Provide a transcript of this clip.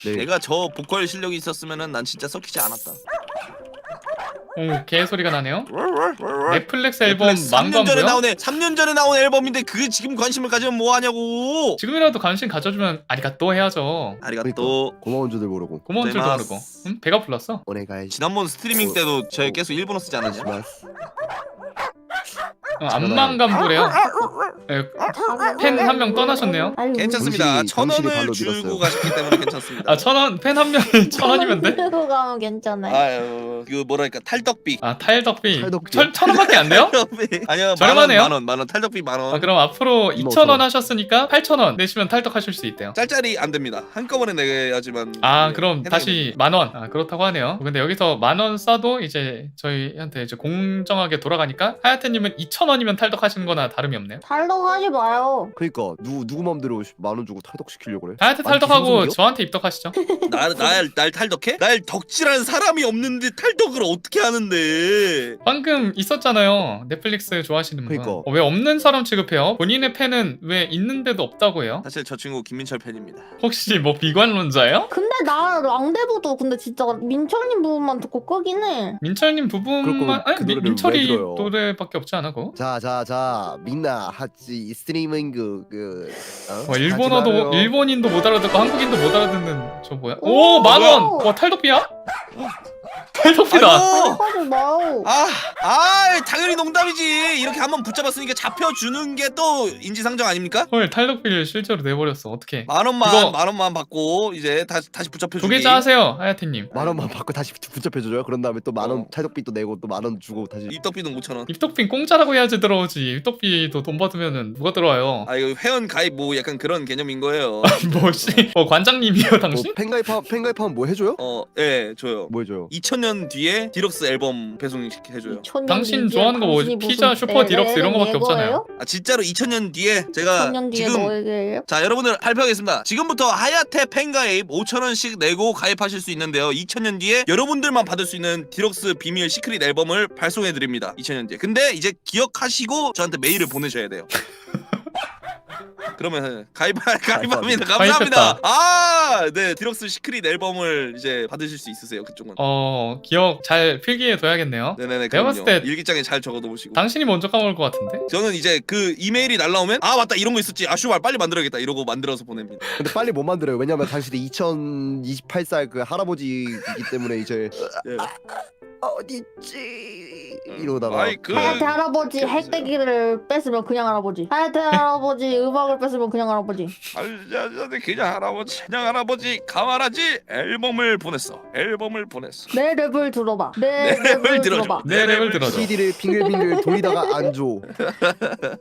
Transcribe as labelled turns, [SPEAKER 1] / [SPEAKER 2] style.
[SPEAKER 1] 네.
[SPEAKER 2] 내가 저 보컬 실력이 있었으면은 난 진짜 썩히지 않았다.
[SPEAKER 3] 오, 개 소리가 나네요. 넷플릭스 앨범
[SPEAKER 2] 넷플릭스 3년 전에
[SPEAKER 3] 망관부요?
[SPEAKER 2] 나오네. 3년 전에 나온 앨범인데 그게 지금 관심을 가지면 뭐 하냐고.
[SPEAKER 3] 지금이라도 관심 가져주면 아리가또 해야죠.
[SPEAKER 2] 아리가또.
[SPEAKER 1] 고마운 줄도 모르고.
[SPEAKER 3] 고마운 줄도 모르고. 응? 배가 불렀어?
[SPEAKER 1] 오네가이.
[SPEAKER 2] 지난번 스트리밍 때도 저희 계속 일본어 쓰지 않았냐?
[SPEAKER 3] 안만감부래요. 팬 한 명 떠나셨네요.
[SPEAKER 2] 괜찮습니다.
[SPEAKER 1] 정신이
[SPEAKER 2] 1,000원을
[SPEAKER 1] 발로
[SPEAKER 2] 주고
[SPEAKER 1] 밀었어요.
[SPEAKER 2] 가셨기 때문에 괜찮습니다.
[SPEAKER 3] 아, 1,000원, 팬 한 명이 1,000원이면 돼?
[SPEAKER 4] 들고 가면 괜찮아요.
[SPEAKER 2] 아유, 그 뭐랄까 탈덕비.
[SPEAKER 3] 아, 탈덕비.
[SPEAKER 1] 탈덕비.
[SPEAKER 3] 1,000원밖에 안 돼요?
[SPEAKER 2] 탈덕비. 아니요,
[SPEAKER 3] 저렴하네요?
[SPEAKER 2] 만원 탈덕비 만원.
[SPEAKER 3] 아, 그럼 앞으로 2,000원 하셨으니까 8,000원 내시면 탈덕하실 수 있대요.
[SPEAKER 2] 짤짤이 안 됩니다. 한꺼번에 내야지만.
[SPEAKER 3] 아,
[SPEAKER 2] 네,
[SPEAKER 3] 그럼
[SPEAKER 2] 해당이
[SPEAKER 3] 다시 10,000원. 아, 그렇다고 하네요. 근데 여기서 10,000원 써도 이제 저희한테 이제 공정하게 돌아가니까 하야테님은 2,000원이면 탈덕하시는 거나 다름이 없네요.
[SPEAKER 4] 탈덕하지 마요.
[SPEAKER 1] 그러니까 누구 맘대로 10,000원 주고 탈덕시키려고 그래?
[SPEAKER 3] 하야테
[SPEAKER 1] 아니,
[SPEAKER 3] 탈덕하고
[SPEAKER 1] 기성성이요?
[SPEAKER 3] 저한테 입덕하시죠.
[SPEAKER 2] 날 탈덕해? 날 덕질하는 사람이 없는데 탈덕을 어떻게 하는데?
[SPEAKER 3] 방금 있었잖아요. 넷플릭스 좋아하시는 분.
[SPEAKER 1] 그러니까.
[SPEAKER 3] 왜 없는 사람 취급해요? 본인의 팬은 왜 있는데도 없다고 해요?
[SPEAKER 2] 사실 저 친구 김민철 팬입니다.
[SPEAKER 3] 혹시 뭐 비관론자예요?
[SPEAKER 4] 근데 나 랑데부도 근데 진짜 민철님 부분만 듣고 끄긴 해.
[SPEAKER 3] 민철님 부분만
[SPEAKER 1] 그럴 거면 그 노래를 왜
[SPEAKER 3] 민철이
[SPEAKER 1] 들어요?
[SPEAKER 3] 노래밖에 없지 않아 그거?
[SPEAKER 1] 자 민나 하지 스트리밍
[SPEAKER 3] 일본어도 일본인도 못 알아듣고 한국인도 못 알아듣는 저 뭐야?
[SPEAKER 4] 오,
[SPEAKER 3] 오, 10,000원!
[SPEAKER 4] 뭐야?
[SPEAKER 3] 와, 탈덕비야? 탈덕비다.
[SPEAKER 2] 아이고!
[SPEAKER 4] 탈덕하지 마요.
[SPEAKER 2] 당연히 농담이지. 이렇게 한번 붙잡았으니까 잡혀주는 게 또 인지상정 아닙니까?
[SPEAKER 3] 헐, 탈덕비를 실제로 내버렸어. 어떻게?
[SPEAKER 2] 만
[SPEAKER 3] 이거-
[SPEAKER 2] 원만 받고 이제 다시 붙잡혀주기.
[SPEAKER 3] 두 계좌 하세요, 하야테님.
[SPEAKER 1] 10,000원만 받고 다시 붙잡혀줘요. 그런 다음에 또 10,000원
[SPEAKER 2] 어.
[SPEAKER 1] 탈덕비 또 내고 또 10,000원 주고 다시.
[SPEAKER 2] 입덕비는 5,000원.
[SPEAKER 3] 입덕비 공짜라고 해야지 들어오지. 입덕비도 돈 받으면은 누가 들어와요?
[SPEAKER 2] 아 이거 회원 가입 뭐 약간 그런 개념인 거예요.
[SPEAKER 3] 뭐 씨, 관장님이요 당신?
[SPEAKER 1] 팬가입하면 뭐 해줘요?
[SPEAKER 2] 예, 줘요.
[SPEAKER 1] 뭐 해줘요?
[SPEAKER 2] 2000년 뒤에 디럭스 앨범 배송해줘요.
[SPEAKER 3] 당신 좋아하는 거 뭐지? 피자, 슈퍼, 디럭스 이런 거밖에 없잖아요.
[SPEAKER 2] 아 진짜로 2000년 뒤에 제가
[SPEAKER 4] 2000년 뒤에
[SPEAKER 2] 지금
[SPEAKER 4] 너에게요?
[SPEAKER 2] 자 여러분들 발표하겠습니다. 지금부터 하야테 팬가입 5,000원씩 내고 가입하실 수 있는데요. 2000년 뒤에 여러분들만 받을 수 있는 디럭스 비밀 시크릿 앨범을 발송해드립니다. 2000년 뒤에. 근데 이제 기억하시고 저한테 메일을 보내셔야 돼요. 그러면 가입합니다. 감사합니다. 네 디럭스 시크릿 앨범을 이제 받으실 수 있으세요. 그쪽은.
[SPEAKER 3] 기억 잘 필기해 둬야겠네요.
[SPEAKER 2] 네네네.
[SPEAKER 3] 내가 봤을
[SPEAKER 2] 그럼요.
[SPEAKER 3] 때
[SPEAKER 2] 일기장에 잘 적어놓으시고.
[SPEAKER 3] 당신이 먼저 까먹을 것 같은데?
[SPEAKER 2] 저는 이제 그 이메일이 날라오면 맞다 이런 거 있었지. 슈발 빨리 만들어야겠다 이러고 만들어서 보냅니다.
[SPEAKER 1] 근데 빨리 못 만들어요. 왜냐면 당신이 2028살 그 할아버지이기 때문에 이제
[SPEAKER 2] 예.
[SPEAKER 1] 어딨지 이러다가
[SPEAKER 4] 하야테 할아버지 핵대기를 뺐으면 그냥 할아버지. 하야테 할아버지 음악을 뺐으면 그냥 할아버지.
[SPEAKER 2] 그냥 할아버지 가만하지. 앨범을 보냈어.
[SPEAKER 4] 내 랩을 들어봐. 내
[SPEAKER 2] 랩을
[SPEAKER 4] 랩을
[SPEAKER 2] 들어줘.
[SPEAKER 4] 들어봐.
[SPEAKER 3] 내 랩을 들어줘.
[SPEAKER 1] CD를 빙글빙글 돌리다가 안 줘.